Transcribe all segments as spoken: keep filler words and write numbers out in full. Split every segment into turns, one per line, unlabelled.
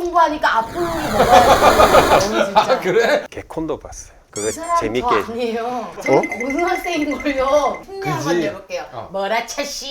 공부하니까 아픈 놈이 먹어야 돼. 진짜.
아 그래?
개콘도 봤어요. 그거
그 사람
재밌게.
저 아니에요. 저는 고등학생인걸요. 흉내 한번
그지?
내볼게요.
어.
뭐라 차씨.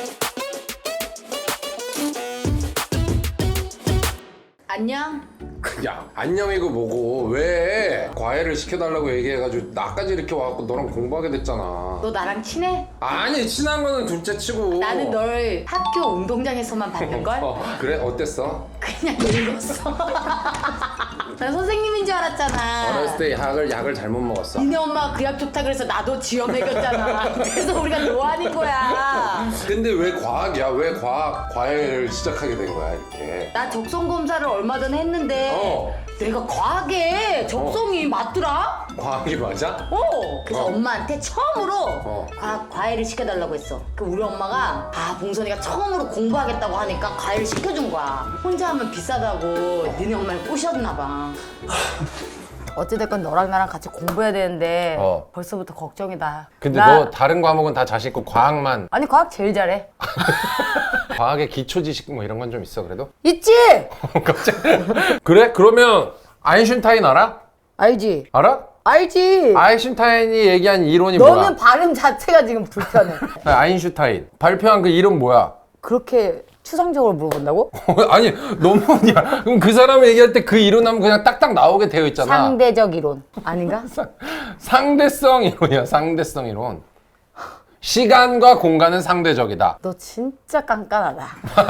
안녕.
야 안녕이고 뭐고 왜 과외를 시켜달라고 얘기해가지고 나까지 이렇게 와갖고 너랑 공부하게 됐잖아.
너 나랑 친해?
아니 친한 거는 둘째 치고.
나는 널 학교 운동장에서만 봤는걸?
어, 그래? 어땠어?
그냥 늙었어. 난 선생님인 줄 알았잖아.
어렸을 때 약을 약을 잘못 먹었어.
니네 엄마가 그 약 좋다 그래서 나도 지어 먹였잖아. 그래서 우리가 노안인 거야.
근데 왜 과학이야? 왜 과학 과외를 시작하게 된 거야 이렇게?
나 적성 검사를 얼마 전에 했는데
어.
내가 과학에 적성이 맞더라?
과학이 맞아?
어. 그래서
어.
엄마한테 처음으로
어.
과학 과외를 시켜달라고 했어. 그 우리 엄마가 아 봉선이가 처음으로 공부하겠다고 하니까 과외를 시켜준 거야. 혼자 하면 비싸다고 니네 엄마를 꼬셨나 봐. 어찌됐건 너랑 나랑 같이 공부해야 되는데
어.
벌써부터 걱정이다.
근데
나-
너 다른 과목은 다 자신 있고 과학만
아니 과학 제일 잘해.
과학의 기초 지식 뭐 이런 건 좀 있어 그래도?
있지?
갑자기 그래? 그러면 아인슈타인 알아?
알지?
알아?
알지?
아인슈타인이 얘기한 이론이
너는
뭐야?
발음 자체가 지금 불편해.
아인슈타인 발표한 그 이론 뭐야?
그렇게 추상적으로 물어본다고?
아니 너무 야 그럼 그 사람이 얘기할 때 그 이론 하면 그냥 딱딱 나오게 되어 있잖아.
상대적 이론 아닌가?
상대성 이론이야. 상대성 이론. 시간과 공간은 상대적이다.
너 진짜 깐깐하다.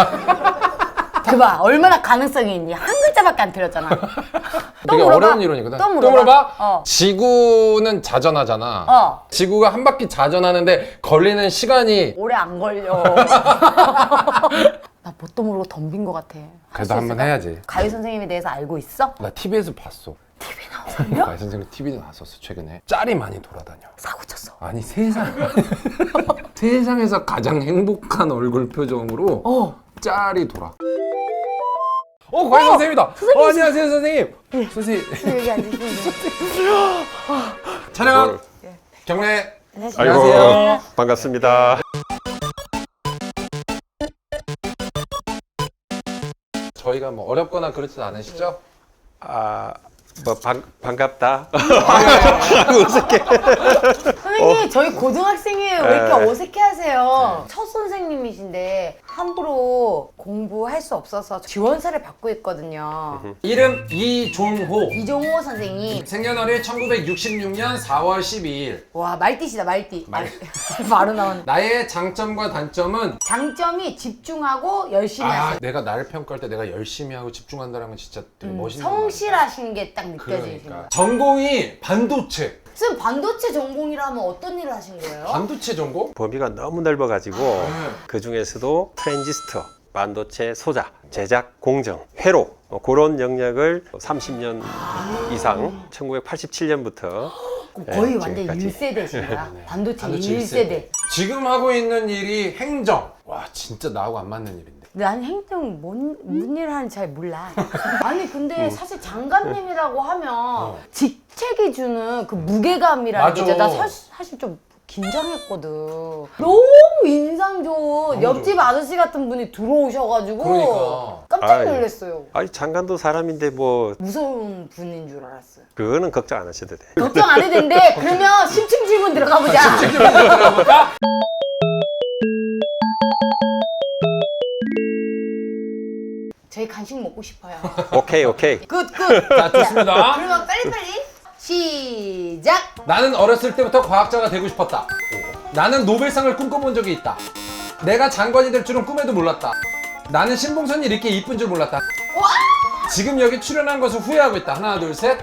그봐 얼마나 가능성이 있니? 한 글자밖에 안 틀렸잖아. 또
되게
물어봐.
어려운 이론이거든.
또 물어봐. 어.
지구는 자전하잖아.
어.
지구가 한 바퀴 자전하는데 걸리는 시간이
오래 안 걸려. 나 뭣도 모르고 덤빈 것 같아. 할
그래도
수
한번
있을까?
해야지.
가위 선생님에 대해서 알고 있어?
나 티비에서 봤어.
티비 나오셨냐?
가희 선생님 티비에 나왔었어 최근에. 짤이 많이 돌아다녀.
사고 쳤어.
아니 세상 세상에서 가장 행복한 얼굴 표정으로
어.
짤이 돌아. 어, 과외 선생님이다.
선생님.
어, 안녕하세요, 선생님. 선생님.
여기 앉으시면 돼.
촬영. 경례.
안녕하세요.
아이고 반갑습니다.
저희가 뭐 어렵거나 그렇진 않으시죠?
아, 뭐 반, 반갑다.
선생님 저희 고등학생이에요. 왜 이렇게
네.
어색해하세요? 첫 선생님이신데 함부로 공부할 수 없어서 지원사를 받고 있거든요.
이름 이종호.
이종호 선생님.
생년월일 천구백육십육 년 사월 십이일.
와 말띠시다 말띠.
말-
바로 나오네.
나의 장점과 단점은
장점이 집중하고 열심히
아,
하세요.
내가 나를 평가할 때 내가 열심히 하고 집중한다는 건 진짜 되게
음,
멋있는 거 같아.
성실하신 게 딱 느껴지시는
그러니까
거예요.
전공이 반도체.
선생님 반도체 전공이라면 어떤 일을 하신 거예요?
반도체 전공?
범위가 너무 넓어가지고 그 중에서도 트랜지스터, 반도체 소자, 제작, 공정, 회로 뭐 그런 영역을 삼십 년 이상 천구백팔십칠 년부터
거의
네,
완전
지금까지.
일 세대신가? 반도체,
반도체
일 세대.
지금 하고 있는 일이 행정. 와 진짜 나하고 안 맞는 일인데.
난 행정 뭔, 뭔 일을 하는지 잘 몰라. 아니 근데 사실 장관님이라고 하면 직책이 주는 그 무게감이라는
맞아.
게 있잖아. 나 사실, 사실 좀 긴장했거든. 너무 인상 좋은 옆집 아저씨 같은 분이 들어오셔가지고
그러니까.
깜짝
아이.
놀랐어요.
아니 장관도 사람인데 뭐
무서운 분인 줄 알았어요.
그거는 걱정 안 하셔도 돼.
걱정 안 해도 되는데 그러면 심층 질문 들어가 보자. 저희 간식 먹고 싶어요.
오케이 오케이.
굿 굿.
자 좋습니다.
그러면 빨리빨리 시작.
나는 어렸을 때부터 과학자가 되고 싶었다. 나는 노벨상을 꿈꿔본 적이 있다. 내가 장관이 될 줄은 꿈에도 몰랐다. 나는 신봉선이 이렇게 이쁜 줄 몰랐다. 지금 여기 출연한 것을 후회하고 있다. 하나 둘 셋.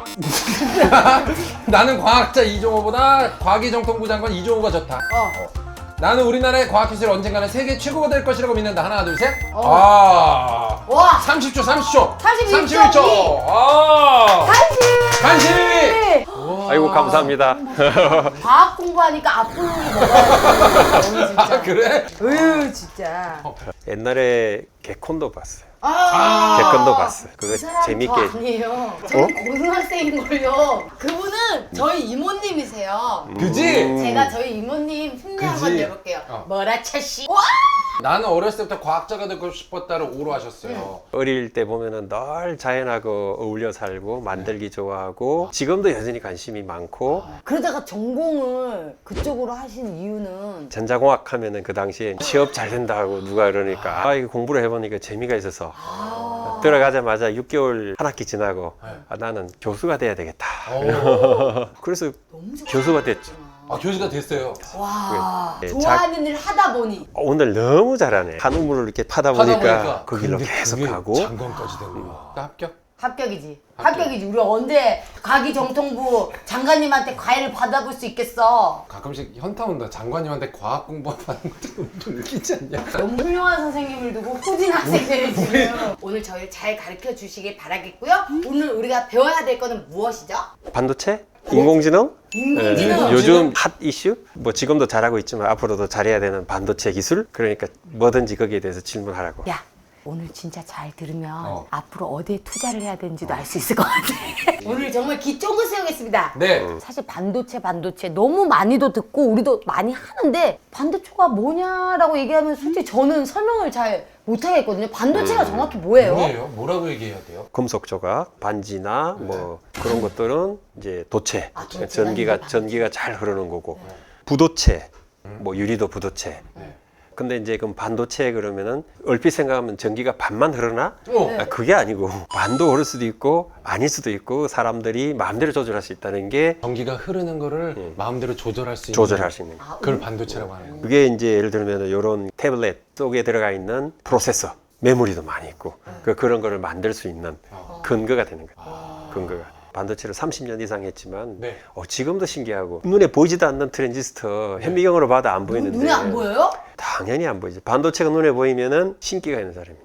나는 과학자 이종호보다 과기정통부 장관 이종호가 좋다.
어.
나는 우리나라의 과학기술이 언젠가는 세계 최고가 될 것이라고 믿는다. 하나 둘 셋.
어.
아.
와.
삼십 초 삼십 초.
삼십일 초
삼십일 초. 아.
간식.
간식.
아이고 감사합니다.
과학 공부하니까 아픈 놈이 먹어야 돼. 진짜.
아 그래?
으유 진짜.
옛날에 개콘도 봤어요.
아.
개콘도 봤어요. 그거
그 사람
재밌게.
저 아니에요. 저는 고등학생인걸요. 그분은 저희 이모님이세요.
그지?
음.
제가 저희 이모님 흉내 한번
그지?
내볼게요.
어.
뭐라 차씨. 와!
나는 어렸을 때부터 과학자가 되고 싶었다를 오로 하셨어요.
어릴 때 보면은 늘 자연하고 어울려 살고 만들기 좋아하고 지금도 여전히 관심이 많고
그러다가 전공을 그쪽으로 하신 이유는
전자공학 하면은 그 당시에 취업 잘 된다고 누가 그러니까 아 이거 공부를 해보니까 재미가 있어서
아.
들어가자마자 육 개월 한 학기 지나고
네.
아, 나는 교수가 돼야 되겠다.
오.
그래서
너무 좋아.
교수가 됐죠.
아, 교수가 됐어요.
와
네,
좋아하는 일 하다 보니
어, 오늘 너무 잘하네. 한 우물을 이렇게 파다
하다
보니까,
보니까
그 길로
근데
계속
그게
가고
장관까지 된 거야. 합격?
합격이지.
합격.
합격이지. 우리 언제 과기정통부 장관님한테 과외를 받아볼 수 있겠어.
가끔씩 현타 온다. 장관님한테 과학 공부하는 것도 좀 웃기지 않냐?
너무 훌륭한 선생님을 두고 후진 학생들을 지금 오늘 저희를 잘 가르쳐 주시길 바라겠고요. 오늘 우리가 배워야 될 거는 무엇이죠?
반도체? 인공지능?
인공지능.
네, 요즘 핫 이슈? 뭐 지금도 잘하고 있지만 앞으로도 잘해야 되는 반도체 기술? 그러니까 뭐든지 거기에 대해서 질문하라고.
야 오늘 진짜 잘 들으면
어.
앞으로 어디에 투자를 해야 되는지도 알 수 있을 것 같아. 오늘 정말 기초을 세우겠습니다.
네.
사실 반도체 반도체 너무 많이도 듣고 우리도 많이 하는데 반도체가 뭐냐라고 얘기하면 솔직히 저는 설명을 잘 못하겠거든요. 반도체가 정확히 뭐예요?
뭐예요? 뭐라고 얘기해야 돼요?
금속 조각, 반지나 뭐 그런 것들은 이제 도체,
아, 도체가
전기가
이제 반도체.
전기가 잘 흐르는 거고 부도체, 뭐 유리도 부도체.
네.
근데 이제 그럼 반도체 그러면은 얼핏 생각하면 전기가 반만 흐르나?
어.
아, 그게 아니고 반도 흐를 수도 있고 아닐 수도 있고 사람들이 마음대로 조절할 수 있다는 게
전기가 흐르는 거를 마음대로 조절할 수 있는
조절할 수 있는 거.
아,
그걸 반도체라고 하는 거예요.
그게 이제 예를 들면 이런 태블릿 속에 들어가 있는 프로세서, 메모리도 많이 있고 그 그런 거를 만들 수 있는 근거가 되는 거예요. 근거가. 반도체를 삼십 년 이상 했지만
네.
어, 지금도 신기하고 눈에 보이지도 않는 트랜지스터 현미경으로 봐도 안 보이는데
눈에 안 보여요?
당연히 안 보이지. 반도체가 눈에 보이면은 신기가 있는 사람입니다.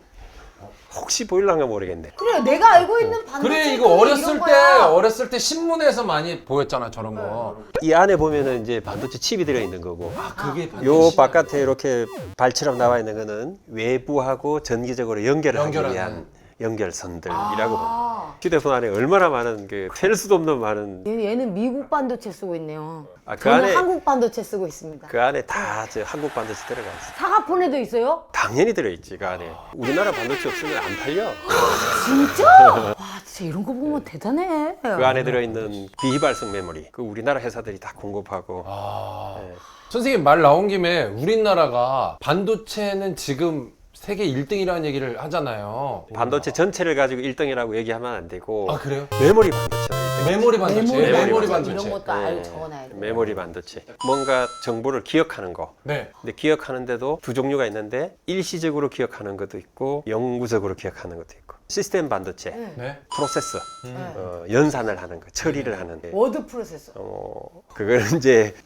혹시 보일랑가 모르겠네.
그래 내가 알고 있는 반도체
그래 이거 어렸을 때 어렸을 때 신문에서 많이 보였잖아 저런 거.
이 안에 보면은 이제 반도체 칩이 들어 있는 거고
아 그게
요
반도체.
바깥에 이렇게 발처럼 나와 있는 거는 외부하고 전기적으로 연결하기
연결하는.
위한 연결선들이라고 봅니다.
아,
휴대폰 안에 얼마나 많은 그 셀 수도 없는 많은
얘- 얘는 미국 반도체 쓰고 있네요.
아, 그
저는
안에
한국 반도체 쓰고 있습니다.
그 안에 다 저 한국 반도체 들어가 있어.
사과폰에도 있어요?
당연히 들어 있지 그 안에. 우리나라 반도체 없으면 안 팔려.
진짜? 와 진짜 이런 거 보면 대단해.
그 안에 들어 있는 비휘발성 메모리. 그 우리나라 회사들이 다 공급하고.
아
네.
선생님 말 나온 김에 우리나라가 반도체는 지금 세계 일 등이라는 얘기를 하잖아요.
반도체 전체를 가지고 일 등이라고 얘기하면 안 되고
아 그래요?
메모리 반도체.
메모리 반도체,
메모리,
메모리
반도체,
반도체.
이런 것도 알고
네.
적어놔야 돼.
메모리 반도체. 뭔가 정보를 기억하는 거.
네.
근데 기억하는데도 두 종류가 있는데 일시적으로 기억하는 것도 있고 영구적으로 기억하는 것도 있고. 시스템 반도체,
네.
네.
프로세서,
음.
어, 연산을 하는 거, 처리를 하는 거.
워드 프로세서.
어, 그거는 이제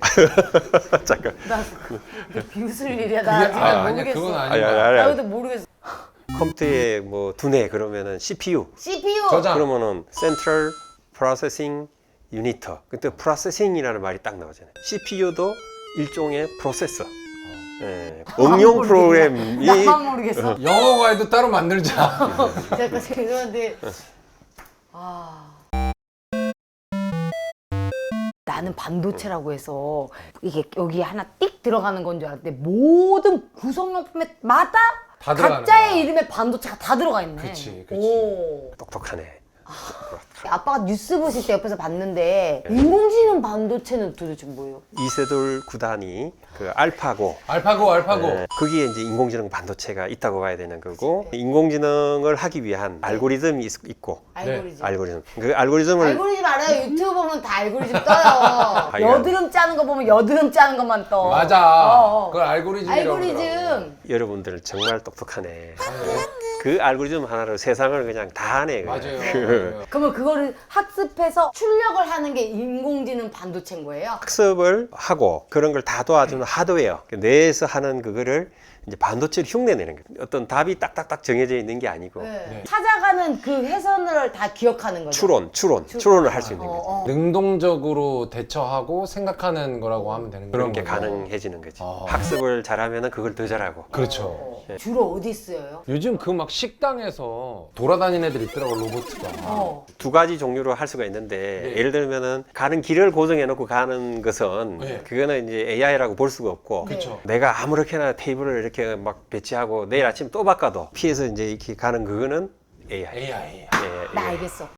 잠깐.
나 그- 비웃을 일이야. 나
그게-
지금
아, 아니야,
모르겠어.
그건 아닌
아니,
거야.
아니,
나
아니,
근데 모르겠어.
컴퓨터에 뭐 두뇌 그러면은 씨피유.
씨피유.
저장.
그러면은 Central Processing Unit. 그때 프로세싱이라는 말이 딱 나오잖아요. 씨피유도 일종의 프로세서. 예, 응용 프로그램이
나만 모르겠어.
영어 과외도 따로 만들자.
제가 죄송한데 아 나는 반도체라고 해서 이게 여기 하나 띡 들어가는 건 줄 알았는데 모든 구성용품에 마다
다 들어가는
각자의
거야.
이름에 반도체가 다 들어가 있네.
그치, 그치.
오.
똑똑하네.
아빠가 뉴스 보실 때 옆에서 봤는데 인공지능 반도체는 도대체 뭐예요?
이세돌 구단이 그 알파고
알파고 알파고.
예, 거기에 이제 인공지능 반도체가 있다고 봐야 되는 거고 인공지능을 하기 위한 알고리즘이 있, 있고
알고리즘.
알고리즘 그 알고리즘을
알고리즘 알아요. 유튜브 보면 다 알고리즘 떠요.
이거.
여드름 짜는 거 보면 여드름 짜는 것만 떠.
맞아.
어, 어.
그걸 알고리즘이라고 그러더라고.
알고리즘.
여러분들 정말 똑똑하네. 그 알고리즘 하나로 세상을 그냥 다 하네. 그냥.
맞아요.
그
맞아요.
그러면 그거를 학습해서 출력을 하는 게 인공지능 반도체인 거예요?
학습을 하고 그런 걸 다 도와주는 하드웨어 뇌에서 하는 그거를 이제 반도체로 흉내내는 거예요. 어떤 답이 딱딱딱 정해져 있는 게 아니고
네. 찾아가는 그 회선을 다 기억하는 거죠.
추론, 추론, 추론을 할 수 있는
어,
거죠.
어.
능동적으로 대처하고 생각하는 거라고 하면 되는
그런
그런
게
거죠.
가능해지는 거지.
아.
학습을 잘하면은 그걸 더 잘하고.
그렇죠.
주로 어디 쓰여요?
요즘 그 막 식당에서 돌아다니는 애들 있더라고, 로봇가.
어.
두 가지 종류로 할 수가 있는데
네.
예를 들면은 가는 길을 고정해 놓고 가는 것은
네.
그거는 이제 에이아이라고 볼 수가 없고
그쵸.
내가 아무렇게나 테이블을 이렇게 막 배치하고 내일 아침 또 바꿔도 피해서 이제 이렇게 가는 그거는 에이아이.
에이아이.
예,
나
예.
알겠어.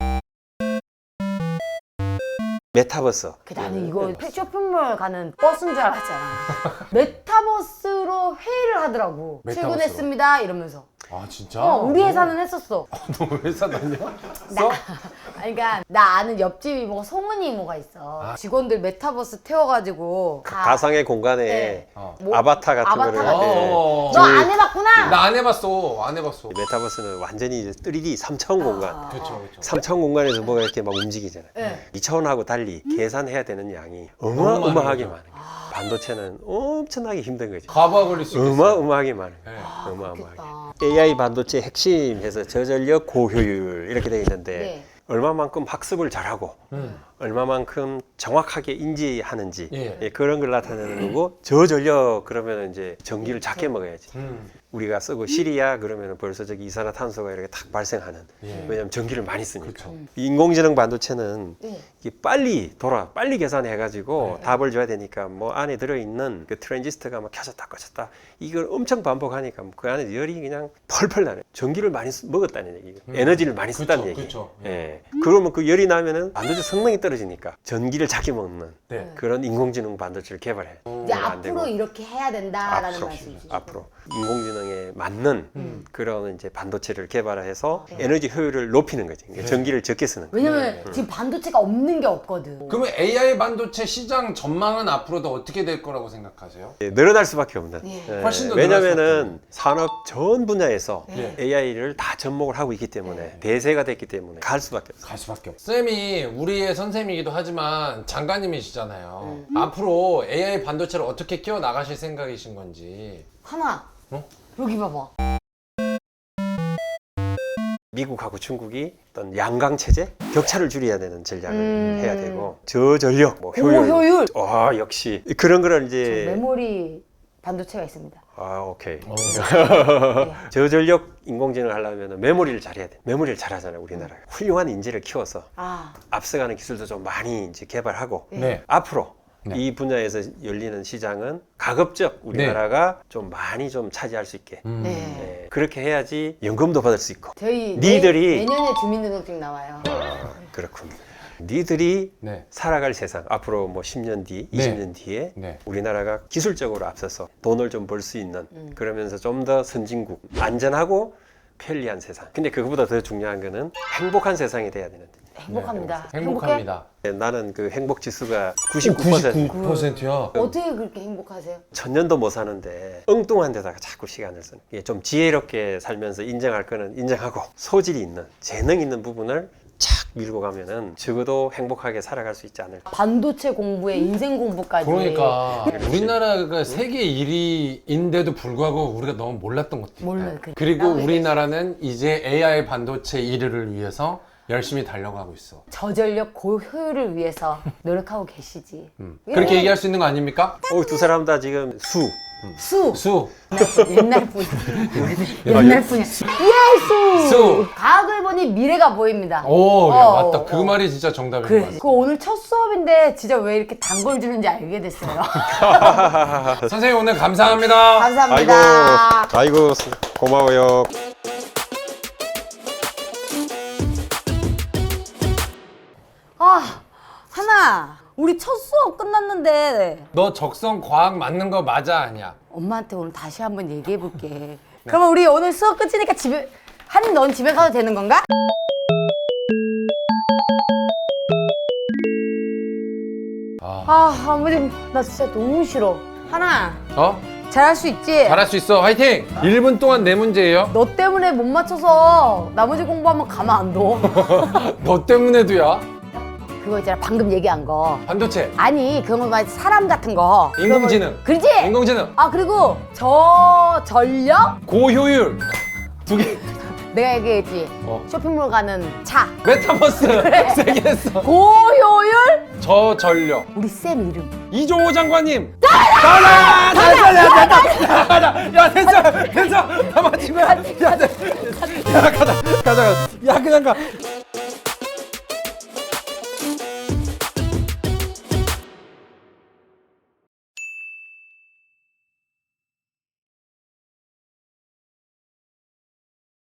메타버스.
그 나는 이거 쇼핑몰 가는 버스인 줄 알았잖아. 메타버스로 회의를 하더라고.
메타버스로?
출근했습니다 이러면서.
아, 진짜?
어, 우리 회사는 했었어.
너 회사 다녀?
나, 아니, 그러니까 나 아는 옆집 이모가 송은이 이모가 있어.
아.
직원들 메타버스 태워가지고 가-
가상의 공간에
네.
어.
뭐,
아바타 같은
아바타
거를
같은
네.
거.
너 안 해봤구나.
나 안 해봤어. 안 해봤어.
메타버스는 완전히 이제 쓰리디 삼 차원 공간.
아.
그렇죠, 그렇죠.
삼 차원 공간에서 뭐가 이렇게 막 움직이잖아요.
네.
이 차원하고 달리 계산해야 되는 양이
너무 많은
어마어마하게
거죠.
많아요. 반도체는 엄청나게 힘든 거죠.
가봐 걸릴 수 있겠어.
어마어마하게 많아요.
네.
어마어마하게.
좋겠다.
에이아이 반도체 핵심에서 저전력 고효율 이렇게 되어 있는데
네.
얼마만큼 학습을 잘하고
음.
얼마만큼 정확하게 인지하는지
예.
예, 그런 걸 나타내는 거고 저전력 그러면 이제 전기를 작게 먹어야지.
음.
우리가 쓰고 시리아 그러면 벌써 저기 이산화탄소가 이렇게 탁 발생하는.
예.
왜냐하면 전기를 많이 쓰니까.
그렇죠.
인공지능 반도체는
네.
이게 빨리 돌아 빨리 계산해가지고
네.
답을 줘야 되니까 뭐 안에 들어있는 그 트랜지스터가 막 켜졌다 꺼졌다 이걸 엄청 반복하니까 그 안에 열이 그냥 펄펄 나네. 전기를 많이 쓰- 먹었다는 얘기고
음.
에너지를 많이
그쵸,
썼다는 얘기.
그쵸.
예. 그러면 그 열이 나면은 반도체 성능이 떨어지니까 전기를 작게 먹는
네.
그런 인공지능 반도체를 개발해.
이제
안
앞으로
되고.
이렇게 해야 된다라는
앞으로
말씀이시죠.
앞으로 인공지능에 맞는
음.
그런 이제 반도체를 개발해서
네.
에너지 효율을 높이는 거지. 그러니까 전기를 적게 쓰는. 거지.
왜냐면 지금 반도체가 없는 게 없거든.
그러면 에이아이 반도체 시장 전망은 앞으로도 어떻게 될 거라고 생각하세요?
예, 늘어날 수밖에 없는.
네.
예,
훨씬 더 늘어날
왜냐면은 산업 전 분야에서
네.
에이아이를 다 접목을 하고 있기 때문에
네.
대세가 됐기 때문에 갈 수밖에 없어요.
갈 수밖에 없어. 쌤이 우리의 선생님이기도 하지만 장관님이시잖아요.
음.
앞으로 에이아이 반도체를 어떻게 키워 나가실 생각이신 건지.
하나.
어?
여기 봐봐.
미국하고 중국이 어떤 양강 체제 격차를 줄여야 되는 전략을
음.
해야 되고 저전력, 뭐 효율.
고효율.
와 역시 그런 거를
저
이제
메모리 반도체가 있습니다.
아 오케이.
어.
네.
저전력 인공지능을 하려면 메모리를 잘해야 돼. 메모리를 잘하잖아요 우리나라가. 훌륭한 인재를 키워서
아,
앞서가는 기술도 좀 많이 이제 개발하고
네.
앞으로
네.
이 분야에서 열리는 시장은 가급적 우리나라가 좀 많이 좀 차지할 수 있게
음.
네.
네, 그렇게 해야지 연금도 받을 수 있고
저희
니들이-
내, 내년에 주민등록증 나와요.
아, 그렇군. 니들이
네.
살아갈 세상 앞으로 뭐 십 년 뒤, 이십 년 뒤에
네.
우리나라가 기술적으로 앞서서 돈을 좀 벌 수 있는
음.
그러면서 좀 더 선진국 안전하고 편리한 세상. 근데 그거보다 더 중요한 거는 행복한 세상이 돼야 되는데
행복합니다.
네. 행복합니다.
나는 그 행복 지수가 구십구 퍼센트
구십구 퍼센트요.
행복해? 어떻게 그렇게 행복하세요?
천년도 못 사는데 엉뚱한 데다가 자꾸 시간을 쓰는 게 좀 지혜롭게 살면서 인정할 거는 인정하고 소질이 있는 재능 있는 부분을 착 밀고 가면은 적어도 행복하게 살아갈 수 있지 않을까.
반도체 공부에 인생 공부까지.
그러니까 우리나라가 세계 일 위인데도 불구하고 우리가 너무 몰랐던 것도
몰라요.
있다.
그-
그리고
나도
우리나라는 이제 에이아이 반도체 일 위를 위해서 열심히 달려가고 있어.
저전력 고효율을 위해서 노력하고 계시지.
음.
예.
그렇게 얘기할 수 있는 거 아닙니까?
어, 두 사람 다 지금 수.
수.
수.
옛날 분. 옛날 분이야. 예수.
수.
과학을 보니 미래가 보입니다.
오, 야,
어,
맞다. 그
어.
말이 진짜 정답인 것
그래.
같아.
그 오늘 첫 수업인데 진짜 왜 이렇게 단 걸 주는지 알게 됐어요.
선생님 오늘 감사합니다.
감사합니다.
아이고, 아이고 고마워요.
아, 하나. 우리 첫 수업 끝났는데
너 적성 과학 맞는 거 맞아 아니야?
엄마한테 오늘 다시 한번 얘기해 볼게.
네.
그러면 우리 오늘 수업 끝이니까 집에 한이 넌 집에 가도 되는 건가?
아.
아, 아무리 나 진짜 너무 싫어. 하나.
어?
잘할 수 있지?
잘할 수 있어. 화이팅! 일 분 동안 내 문제예요.
너 때문에 못 맞춰서 나머지 공부하면 가만 안 둬.
너 때문에도야.
그거 있잖아, 방금 얘기한 거.
반도체,
아니, 그런 거 말고 사람 같은 거.
인공지능.
그러지?
인공지능,
아, 그리고 저전력?
고효율. 두 개.
내가 얘기했지.
어.
쇼핑몰 가는 차.
메타버스. 세개 했어.
고효율
저전력.
우리 쌤 이름.
이종호 장관님. 가자! 가자! 야, 가자! 가자! 야, 됐어! 됐어! 다 맞힌 거야! 야, 됐- 야, 가자! 가자! 가자! 야, 그냥 가!